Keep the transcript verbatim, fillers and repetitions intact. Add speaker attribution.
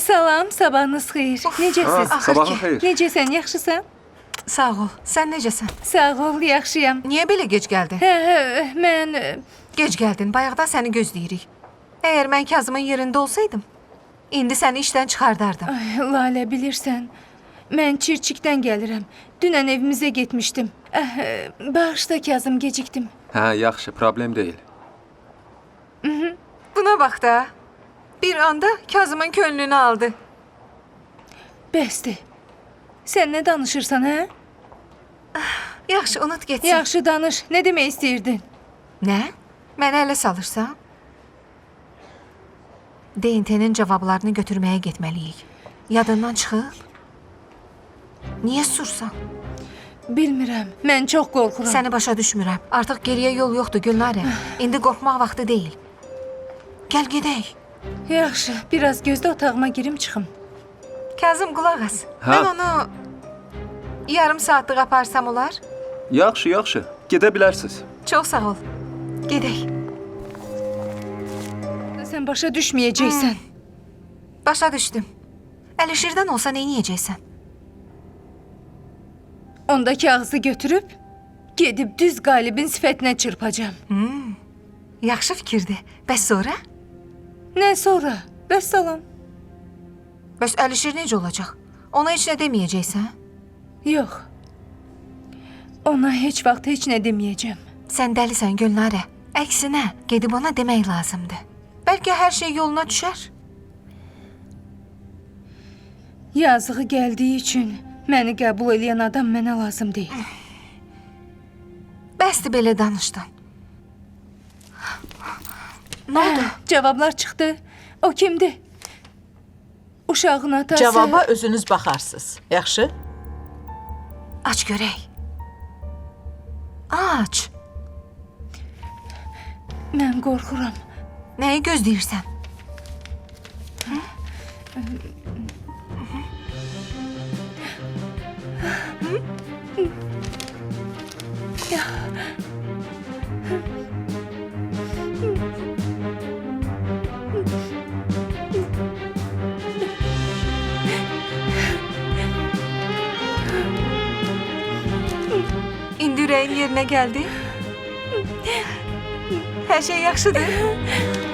Speaker 1: Salam, sabahınız xeyir. Necəsiz?
Speaker 2: Ha, sabahın xeyir.
Speaker 1: Necəsən, yaxşısan?
Speaker 3: Sağ ol. Sən necəsən?
Speaker 1: Sağ ol, yaxşıyam.
Speaker 3: Niyə belə gec gəldin?
Speaker 1: Hə, hə, mən... e,
Speaker 3: Gec gəldin. Bayaqdan səni gözləyirik. Əgər mən Kazımın yerində olsaydım, indi səni işdən çıxardardım.
Speaker 1: Ay, Lalə, bilirsən, mən Çirçikdən gəlirəm. Dünən evimizə getmişdim. Əh, e, bağışla Kazım, gecikdim.
Speaker 2: Hə, yaxşı, problem deyil.
Speaker 3: Buna bax da. Bir anda Kazımın könlünü aldı.
Speaker 1: Bəsdir. Sən nə danışırsan, hə?
Speaker 3: Yaxşı, unut getsin.
Speaker 1: Yaxşı danış. Nə demək istəyirdin?
Speaker 3: Nə? Mənə ələ salırsan? D N T-nin cavablarını götürməyə getməliyik. Yadından çıxıb? Niyə sursan?
Speaker 1: Bilmirəm. Mən çox qorxuram.
Speaker 3: Səni başa düşmürəm. Artıq geriyə yol yoxdur Gülnarə. İndi qorxmaq vaxtı deyil. Gəl gedək.
Speaker 1: Yaxşı, biraz gözdə otağıma girim çıxım.
Speaker 3: Kazım, qulaq as.
Speaker 2: Hə?
Speaker 3: Mən onu yarım saatlıq aparsam olar?
Speaker 2: Yaxşı, yaxşı. Gedə bilərsiniz.
Speaker 3: Çox sağ ol. Gedək.
Speaker 1: Sən başa düşməyəcəksən.
Speaker 3: Başa düşdüm. Əlişirdən olsa neyniyəcəksən?
Speaker 1: Onda kağızı götürüb, gedib düz qalibin sifətinə çırpacam.
Speaker 3: Yaxşı fikirdir. Bəs sonra?
Speaker 1: Nə sonra? Bəs salam.
Speaker 3: Bəs Əlişir necə olacaq? Ona heç nə deməyəcəksən?
Speaker 1: Yox. Ona heç vaxt heç nə deməyəcəm.
Speaker 3: Sən dəlisən Gülnarə. Əksinə, gedib ona demək lazımdır. Bəlkə hər şey yoluna düşər.
Speaker 1: Yazığı gəldiyi üçün məni qəbul edən adam mənə lazım deyil.
Speaker 3: Bəsdir belə danışdın. Nə oldu?
Speaker 1: Cavablar çıxdı. O kimdir? Uşağın atası...
Speaker 4: Cavaba özünüz baxarsınız. Yaxşı?
Speaker 3: Aç görək. Aç.
Speaker 1: Mən qorxuram.
Speaker 3: Nəyi gözləyirsən? İndi ürəyin yerinə gəldi. Hər şey yaxşıdır.